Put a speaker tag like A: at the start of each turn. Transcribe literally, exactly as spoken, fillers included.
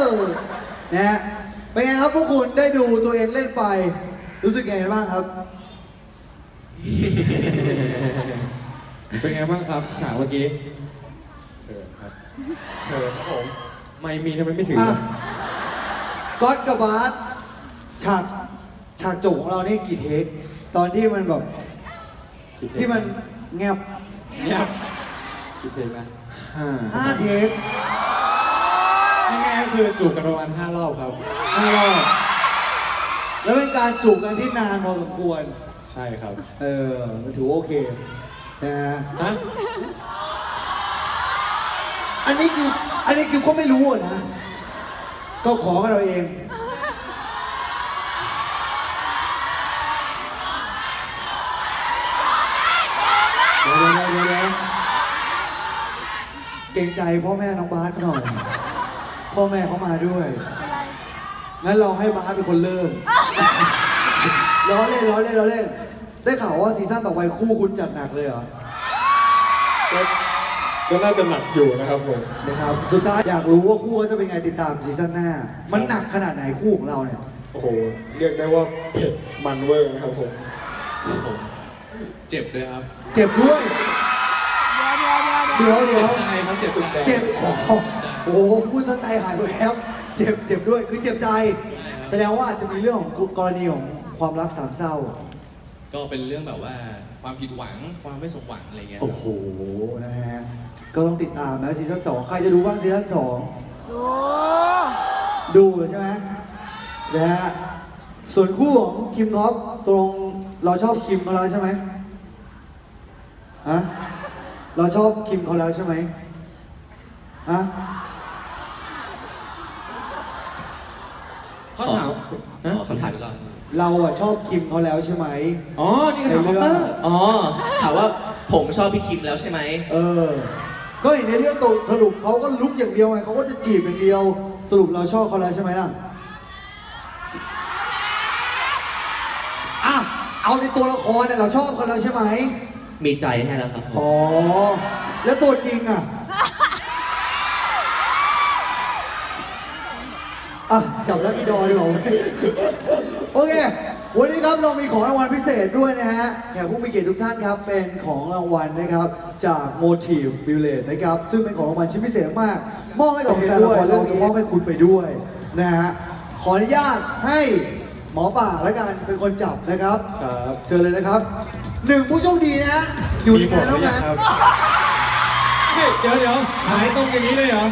A: นะฮะเป็นไงครับพวกคุณได้ดูตัวเองเล่นไปรู้สึกไงบ้างครับ
B: เป็นไงบ้างครับฉากเมื่อกี้เชิญครับเชิญครับผมไม่มีทำไมไม่ถึง
A: อ่ะก๊อตกับบาสฉากฉากจบของเรานี่กี่เทคตอนที่มันแบบที่มันแงบ
B: เนี่ยกี่เทคนะห้า
A: ห้าเทค
B: ง่ายๆก็คือจูบกันประมาณห้ารอบครับ
A: ห้ารอบแล้วเป็นการจูบกันที่นานพอสมควร
B: ใช่ครับ
A: เออถือว่าโอเคนะฮะ
B: ฮะ
A: อันนี้คืออันนี้คือก็ไม่รู้อะนะ ก็ขอกันเราเอง เดี๋ยวเดี๋ยวเดี๋ยวเดี๋ยวเกรงใจพ่อแม่น้องบาสเขาหน่อย พ่อแม่เขามาด้วย งั้นเราให้บาสเป็นคนเริ่ม ล้อเล่นล้อเล่นล้อเล่น ได้ข่าวว่าซีซั่นต่อไปคู่คุณจัดหนักเลยเหรอ
B: ก็ก็น่าจะหนักอยู่นะครับผม
A: นะครับ สุดท้ายอยากรู้ว่าคู่เขาจะเป็นไงติดตามซีซั่นหน้า มันหนักขนาดไหนคู่ของเราเนี่ย
B: โอ้โหเรียกได้ว่าเผ็ดมันเวอร์นะครับผม
C: เจ็บเลยครับ
A: เจ็บด้วย
D: เดี๋ยวเดี๋ยวเดี๋ยว
A: เดี๋ยวเดี๋ยว
C: เจ็บใจครับเจ็บใจ
A: เจ็บโอ้โหโอ้โหพูดซะใจหายไปแล้ว เจ็บเจ็บด้วย คือเจ็บใจ แสดงว่าอาจจะมีเรื่องของกรณีของความรักสามเศร้า
C: ก็เป็นเรื่องแบบว่าความผิดหวังความไม่สมหวังอะไรเงี้ย
A: โอ้โห นะฮะ ก็ต้องติดตามนะซีซั่นสองใครจะดูบ้างซีซั่นสอง
D: ดู
A: ดูใช่ไหมนะฮะ ส่วนคู่ของคิมท็อปตรงเราชอบคิมเขาแล้วใช่ไหมฮะ เราชอบคิมเขาแล้วใช่ไหมฮะ
B: ข้อถาม
C: ขอคำถามอีกรอบ
A: เราอะชอบคิมเขาแล้วใช่ไหม
B: อ๋อ นี่คือถามคอปเตอร์
E: อ๋อ ถามว่าผมชอบพี่คิมแล้วใช่ไหม
A: เออ ก็เห็นในเรื่องตกสรุปเขาก็ลุกอย่างเดียวไงเขาก็จะจีบอย่างเดียว สรุปเราชอบเขาแล้วใช่ไหมล่ะอ่ะเอาในตัวละครเนี่ยเราชอบเขาแล้วใช่ไหม
E: มีใจให้แล้วครับผม
A: อ๋อ แล้วตัวจริงอ่ะ อ่ะ จับแล้วอีดอดีกว่า โอเค วันนี้ครับเรามีของรางวัลพิเศษด้วยนะฮะแขกผู้มีเกียรติทุกท่านครับ เป็นของรางวัลนะครับ จาก Motive Village นะครับ ซึ่งเป็นของรางวัลชิ้นพิเศษมาก มอบให้กับแฟนละครเราจะมอบให้คุณไปด้วยนะฮะ ขออนุญาตให้หมอป่าและกันเป็นคนจับนะครับ
B: ครับ
A: เชิญเลยนะครับหนึ่งผู้โชคดีนะฮะอยู่ใน
B: มีหม
A: งา
B: ด
A: น
B: หรื
A: เท่า
B: อยั
A: นั้
B: ง
A: น
B: ครับเฮ้ยเดี๋ยวเดี๋ยวหายตรงอย่างนี้เลยเหรอ